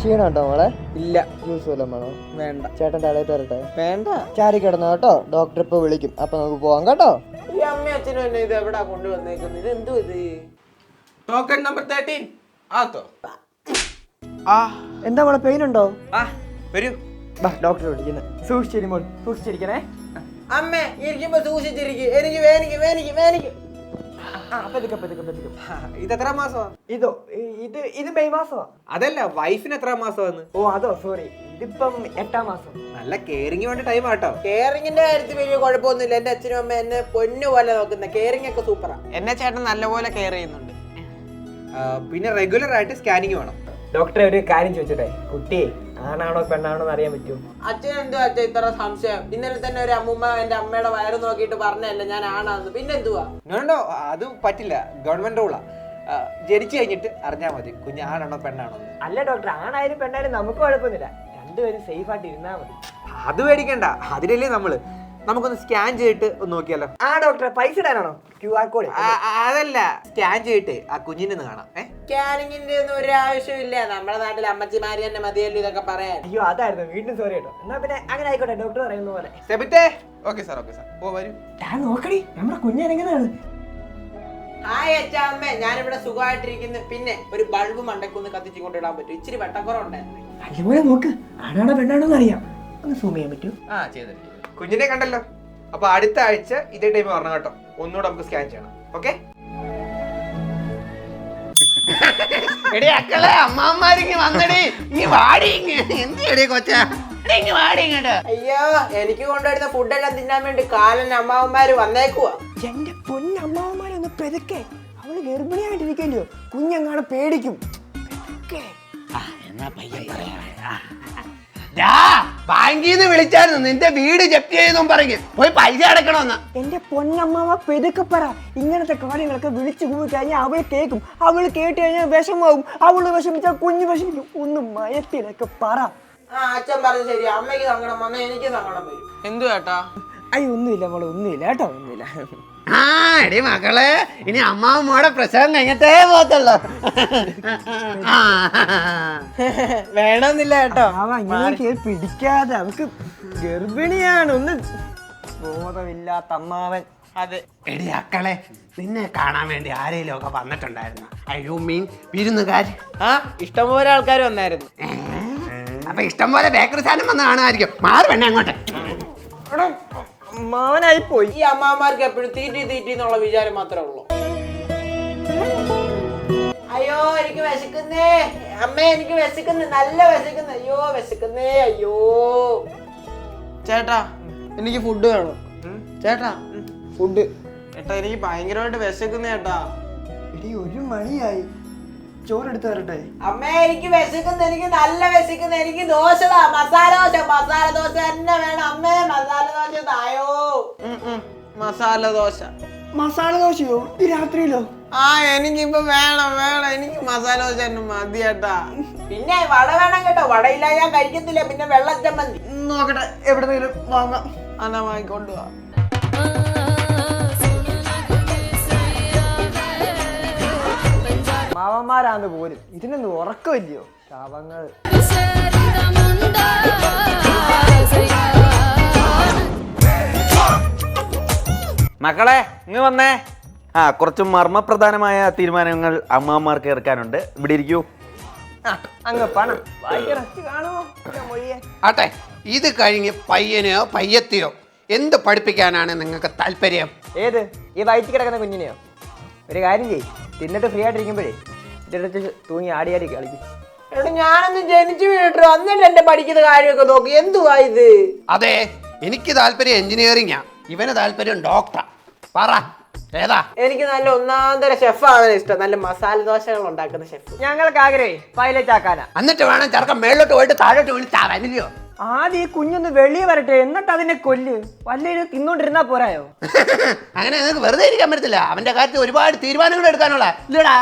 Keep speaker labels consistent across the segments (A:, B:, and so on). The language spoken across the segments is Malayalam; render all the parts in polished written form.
A: ക്ഷീണുണ്ടോ മോളെ?
B: ഇല്ല.
A: ജ്യൂസ് വല്ലതും വേണോ?
B: വേണ്ട.
A: ചേട്ടൻ തലയിൽ തരട്ടെ?
B: വേണ്ട.
A: ചാരി കിടന്നോ കേട്ടോ, ഡോക്ടർ ഇപ്പൊ വിളിക്കും, അപ്പൊ നമുക്ക് പോവാം കേട്ടോ.
B: ഈ അമ്മ അച്ഛനും എന്നെ ഇത് എവിടാ കൊണ്ടുവന്നേക്കുന്നത്? ഇത് എന്തോ ഇത്? ടോക്കൺ നമ്പർ 13 ആത്തോ?
A: എന്താ മോളെ, പെയിൻ ഉണ്ടോ?
B: വരൂ.
A: ഡോക്ടർ വിളിക്കുന്നത്. സൂക്ഷിച്ചിരി മോൾ, സൂക്ഷിച്ചിരിക്കണേ.
B: അമ്മ ഇരിക്കുമ്പോ സൂക്ഷിച്ചിരിക്കും. എനിക്ക് വേനിക്ക് വേനിക്ക് വേനിക്ക്. ഇത് എത്ര മാസമാ?
A: ഇത് മെയ് മാസമാ.
B: അതല്ല, വൈഫിന് എത്ര മാസമാണ്?
A: ഓ അതോ, സോറി, ഇതിപ്പം 8ാം മാസം.
B: നല്ല കെയറിങ് വേണ്ട ടൈം ആട്ടോ. കെയറിങ്ങിന്റെ കാര്യത്തിൽ വലിയ കുഴപ്പമൊന്നുമില്ല. എന്റെ അച്ഛനും അമ്മ എന്നെ പൊന്നു പോലെ നോക്കുന്ന. കെയറിങ് ഒക്കെ സൂപ്പറാ. എന്നെ ചേട്ടൻ നല്ലപോലെ കെയർ ചെയ്യുന്നുണ്ട്. പിന്നെ റെഗുലർ ആയിട്ട് സ്കാനിങ് വേണം.
A: ഡോക്ടറെ ഒരു കാര്യം ചോദിച്ചോട്ടെ, കുട്ടി ആണാണോ പെണ്ണാണോ എന്ന് അറിയാൻ പറ്റുമോ?
B: അച്ഛൻ എന്തുവാ അച്ഛൻ ഇത്ര സംശയം? ഇന്നലെ തന്നെ ഒരു അമ്മൂമ്മ എന്റെ അമ്മയുടെ വയറ് നോക്കിയിട്ട് പറഞ്ഞല്ലേ ഞാൻ ആണാന്ന്. പിന്നെ എന്തുവാ? നോണ്ടോ, അത് പറ്റില്ല. ഗവൺമെന്റ് റൂളാ. ജനിച്ചു കഴിഞ്ഞിട്ട് അറിഞ്ഞാൽ മതി കുഞ്ഞ് ആണാണോ പെണ്ണാണോ.
A: അല്ല ഡോക്ടർ, ആണായാലും പെണ്ണായാലും നമുക്ക് കുഴപ്പമൊന്നുമില്ല, രണ്ടുപേരും സേഫ് ആയിട്ട് ഇരുന്നാൽ മതി.
B: അത് പേടിക്കണ്ട, അതിലല്ലേ നമുക്കൊന്ന് സ്കാൻ ചെയ്തിട്ട് ഒന്ന് നോക്കിയാലോ?
A: ഡോക്ടറെ, പൈസ ഇടാനാണോ? QR code?
B: അതല്ല, സ്കാൻ ചെയ്തിട്ട് ആ കുഞ്ഞിനെ കാണാം. സ്കാനിങ്ങിന്റെ ഒന്നും ഒരു ആവശ്യമില്ല. നമ്മുടെ നാട്ടിൽ അമ്മച്ചിമാര് തന്നെ മതിയല്ലോ ഇതൊക്കെ പറയാൻ.
A: അയ്യോ അതായിരുന്നു, വീണ്ടും സോറി കേട്ടോ. എന്നാ പിന്നെ അങ്ങനെ ആയിക്കോട്ടെ, ഡോക്ടർ പറയുന്ന പോലെ.
B: Okay sir. ഓ വരൂ.
A: നോക്കടി, നമ്മുടെ കുഞ്ഞെങ്ങനെയാണ്?
B: ഹായ് അച്ഛാമ്മേ, ഞാനിവിടെ സുഖമായിട്ടിരിക്കുന്നു. പിന്നെ ഒരു ബൾബ് മണ്ടക്കൊന്ന് കത്തിച്ചു കൊണ്ടിടാൻ പറ്റും? ഇച്ചിരി വെട്ടക്കുറവുണ്ടായിരുന്നു.
A: അതുപോലെ നോക്ക്, ആണാണോ പെണ്ണാണോ എന്ന് അറിയാം. ഒന്ന് സൂം ചെയ്യാൻ പറ്റും?
B: ചെയ്തിട്ട് കുഞ്ഞിനെ കണ്ടല്ലോ. അപ്പൊ അടുത്ത ആഴ്ച ഇതേ ടൈം വരണം കേട്ടോ. ഒന്നുകൂടെ നമുക്ക് സ്കാൻ ചെയ്യണം. ഓക്കെ?
C: അമ്മാമാരിങ്ങ് വന്നടി, ഇങ്ങ് വാടി. എന്തിയടി കൊച്ചാ, ഇങ്ങ് വാടി ഇങ്ങോട്ട്.
B: അയ്യോ, എനിക്ക് കൊണ്ടുവരുന്ന ഫുഡെല്ലാം തിന്നാൻ വേണ്ടി കാലൻ അമ്മാവന്മാര് വന്നേക്കുവാ.
A: എന്റെ പൊന്നമ്മാവന്മാരൊന്ന് പെതുക്കെ, അവള് ഗർഭിണിയായിട്ടിരിക്കല്ലോ, കുഞ്ഞങ്ങാടെ പേടിക്കും.
C: എന്നാ പയ്യൻ പറയാ. ബാങ്കിൽ നിന്ന് വിളിച്ചായിരുന്നു, നിന്റെ വീട് ജപ്തി ചെയ്തെന്നും പറഞ്ഞു പോയി പൈസ അടക്കണമെന്ന്.
A: എന്റെ പൊന്നമ്മാവ പെതുക്കെ പറ. ഇങ്ങനത്തെ കാര്യങ്ങളൊക്കെ വിളിച്ചു പോയി കഴിഞ്ഞാൽ അവള് കേൾക്കും. അവള് കേട്ട് കഴിഞ്ഞാൽ വിഷമാവും. അവള് വിഷമിച്ചാൽ കുഞ്ഞ് വിഷമിക്കും. ഒന്ന് മയത്തിലൊക്കെ പറ.
B: അച്ഛൻ പറഞ്ഞു ശരി. അമ്മയ്ക്ക് സങ്കടം വന്നാൽ എനിക്ക് സങ്കടം വരും. എന്തു കേട്ടാ?
A: അയ്യോ ഒന്നുമില്ല മോളെ, ഒന്നുമില്ല കേട്ടോ, ഒന്നുമില്ല.
C: എടി മക്കളെ, ഇനി അമ്മാവമ്മോടെ പ്രസവം കഴിഞ്ഞിട്ടേ പോകത്തുള്ളൂ.
B: വേണമെന്നില്ല കേട്ടോ.
A: ഇങ്ങനെ പിടിക്കാതെ, അവൾക്ക് ഗർഭിണിയാണ്. ഒന്ന് ബോധമില്ലാത്ത അമ്മാവൻ.
B: അതെ.
C: എടി മക്കളെ, നിന്നെ കാണാൻ വേണ്ടി ആരെങ്കിലും ഒക്കെ വന്നിട്ടുണ്ടായിരുന്നു? ഐ മീൻ വിരുന്നുകാർ.
B: ഇഷ്ടംപോലെ ആൾക്കാർ വന്നായിരുന്നു.
C: അപ്പൊ ഇഷ്ടംപോലെ ബേക്കറി സാധനം വന്ന് കാണുമായിരിക്കും. മാറി വേണേ അങ്ങോട്ട്.
A: മാവനായി പോയി.
B: ഈ അമ്മാമാർക്ക് എപ്പോഴും തീറ്റി എന്നുള്ള വിചാരം മാത്രമേ ഉള്ളൂ. അയ്യോ എനിക്ക് വിശക്കുന്നേ അമ്മേ, എനിക്ക് വിശക്കുന്നേ, നല്ല വിശക്കുന്നേ. അയ്യോ വിശക്കുന്നേ, അയ്യോ. ചേട്ടാ എനിക്ക് ഫുഡ് വേണം. ചേട്ടാ ഫുഡ്. ചേട്ടാ എനിക്ക് ഭയങ്കരമായിട്ട് വിശക്കുന്നേ ചേട്ടാ.
A: എടി 1 മണിയായി, ചോറെടുത്ത് തരട്ടെ?
B: അമ്മേ എനിക്ക് വിശക്കുന്നു, എനിക്ക് നല്ല വിശക്കുന്നു. എനിക്ക് ദോശതാ, മസാല ദോശ തന്നെ വേണം. അമ്മേ മസാല ദോശ തായോ. മസാല ദോശ.
A: മസാല ദോശയോ? ഈ രാത്രിയിലോ?
B: എനിക്കിപ്പോ വേണം. എനിക്ക് മസാല ദോശ തന്നെ മതി ചേട്ടാ. പിന്നെ വട വേണം കേട്ടോ. വടയില്ല ഞാൻ കഴിക്കത്തില്ല. പിന്നെ വെള്ളച്ചമ്മന്തി
A: നോക്കട്ടെ, എവിടെന്നെങ്കിലും വാങ്ങാം.
B: എന്നാ വാങ്ങിക്കൊണ്ടുപോവാ.
A: മാവന്മാരാന്ന് പോലും ഇതിനൊന്നും ഉറക്കമില്ലയോ? ശാപങ്ങൾ.
D: മക്കളെ ഇങ്ങ് വന്നേ. കുറച്ച് മർമ്മപ്രധാനമായ തീരുമാനങ്ങൾ അമ്മമാർക്ക് ഇറക്കാനുണ്ട്. ഇവിടെ ഇരിക്കൂ.
A: അങ്ങ് പണം കാണുമോ?
C: ആട്ടെ, ഇത് കഴിഞ്ഞ് പയ്യനെയോ പയ്യത്തെയോ എന്ത് പഠിപ്പിക്കാനാണ് നിങ്ങൾക്ക് താല്പര്യം?
A: ഏത്, ഈ വയറ്റിൽ കിടക്കുന്ന കുഞ്ഞിനെയോ? ഒരു കാര്യം ചെയ്യ്, തിന്നിട്ട് ഫ്രീ ആയിട്ടിരിക്കുമ്പോഴേ ഇതിനടുത്ത് തൂങ്ങി ആടി കളിക്കും.
B: ഞാനൊന്ന് ജനിച്ചു വീണിട്ടോ, എന്നിട്ട് എന്റെ പഠിക്കുന്ന കാര്യമൊക്കെ നോക്കി. എന്തുവാ ഇത്?
C: അതെ, എനിക്ക് താല്പര്യം എഞ്ചിനീയറിംഗാ, ഇവന് താല്പര്യം ഡോക്ടറാ. പറ ഏതാ?
B: എനിക്ക് നല്ല ഒന്നാന്തര ഷെഫാണ് ഇഷ്ടം. നല്ല മസാല ദോശകൾ ഉണ്ടാക്കുന്ന ഷെഫ്.
A: ഞങ്ങൾക്ക് ആഗ്രഹേ പൈലറ്റ് ആക്കാനാ.
C: എന്നിട്ട് വേണം ചെറുക്കൻ മേളിലോട്ട് പോയിട്ട് താഴോട്ട് വിളിച്ചാവനില്ലയോ?
A: ആദ്യം ഈ കുഞ്ഞൊന്ന് വെളിയെ വരട്ടെ, എന്നിട്ട് അതിനെ കൊല്ല്. വല്ലതും തിന്നോണ്ടിരുന്നാ പോരായോ?
C: അങ്ങനെ നിങ്ങൾക്ക് വെറുതെ ഇരിക്കാൻ പറ്റത്തില്ല. അവന്റെ കാര്യത്തിൽ ഒരുപാട് തീരുമാനങ്ങൾ എടുക്കാനുള്ള ഇല്ലടാ.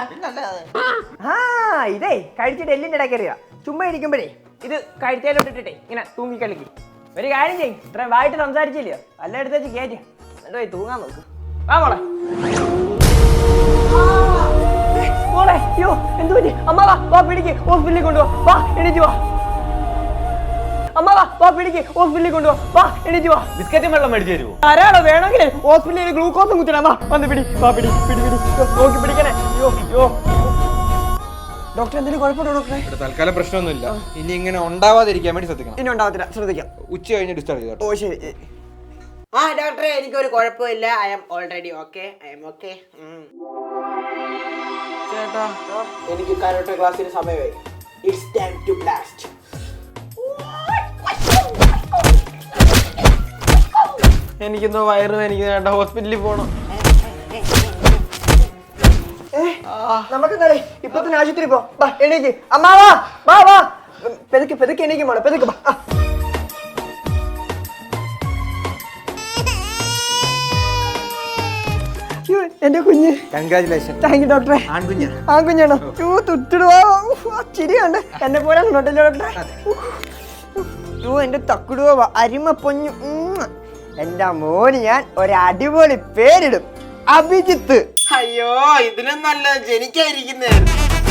A: ഇതേ കഴിച്ചിട്ട് എല്ലിന്റെ ഇടയ്ക്ക് അറിയാം. ചുമ്മാ ഇരിക്കുമ്പോഴേ ഇത് കഴിച്ചാലോട്ടിട്ടേ ഇങ്ങനെ തൂങ്ങി കളിക്കും. ഒരു കാര്യം ചെയ്യും, ഇത്രയും വായിട്ട് സംസാരിച്ചില്ലയോ, വല്ല എടുത്ത് വെച്ച് കയറ്റി എന്നിട്ട് പോയി തൂങ്ങാൻ നോക്ക്. വാ മോളെ. മോളെ അയ്യോ എന്തു പറ്റി? അമ്മ വാ വാ പിടിക്ക് ഹോസ്പിറ്റലിൽ കൊണ്ടുപോ. വാ എണീറ്റ് വാ. അമ്മ വാ വാ പിടിക്ക് ഹോസ്പിറ്റലിൽ കൊണ്ടുപോ. വാ എണീറ്റ് വാ.
D: ബിസ്ക്കറ്റും വെള്ളം മേടിച്ചു തരുമോ?
A: ധാരാളം വേണമെങ്കിൽ ഹോസ്പിറ്റലിൽ ഗ്ലൂക്കോസും കുത്തണം. വാ വന്ന് പിടി. വാ പിടി പിടി പിടി. നോക്കി പിടിക്കണേ. അയ്യോ അയ്യോ. ഡോക്ടർ എന്തെങ്കിലും കുഴപ്പമുണ്ടോ ഡോക്ടറെ?
B: ഇവിടെ തൽക്കാലം പ്രശ്നമൊന്നുമില്ല. ഇനി ഇങ്ങനെ ഉണ്ടാവാതിരിക്കാൻ വേണ്ടി ശ്രദ്ധിക്കണം.
A: ഇനി ഉണ്ടാവത്തില്ല, ശ്രദ്ധിക്കാം.
B: ഉച്ച കഴിഞ്ഞ് ഡിസ്ചാർജ് ചെയ്തോ.
A: ഓ ശരി.
E: ആ ഡോക്ടറെ എനിക്കൊരു കുഴപ്പമില്ല. I am already okay. I am okay.
B: ചേട്ടാ എനിക്ക് കരാട്ടെ ക്ലാസ്സിന് സമയമായി.
E: It's time to blast.
B: എനിക്കെന്തോ വയറ് എനിക്ക് ചേട്ടാ ഹോസ്പിറ്റലിൽ പോകണം.
A: നമുക്ക് എന്താ ഇപ്പൊ തന്നെ ആശുപത്രി പോ. വാ എണീക്ക്. അമ്മ വാ വാ വാ. പെതുക്കെ പെതുക്കെ എണീക്കും മോളെ. പെതുക്കെ വാ. എന്റെ കുഞ്ഞ്.
B: കൺഗ്രാജുലേഷൻ.
A: താങ്ക് യു ഡോക്ടറെ.
B: ആൺകുഞ്ഞ.
A: ആൺകുഞ്ഞാണോ? തുട്ടിടുവാ. ചിരിയുണ്ട്. എന്നെ പോലെ ഡോക്ടറെ. എന്റെ തക്കുടുവ അരിമ പൊഞ്ഞു. എന്റെ മോന് ഞാൻ ഒരു അടിപൊളി പേരിടും. അഭിജിത്ത്.
E: അയ്യോ ഇതിലും നല്ല ജനിക്കായിരിക്കുന്നേ.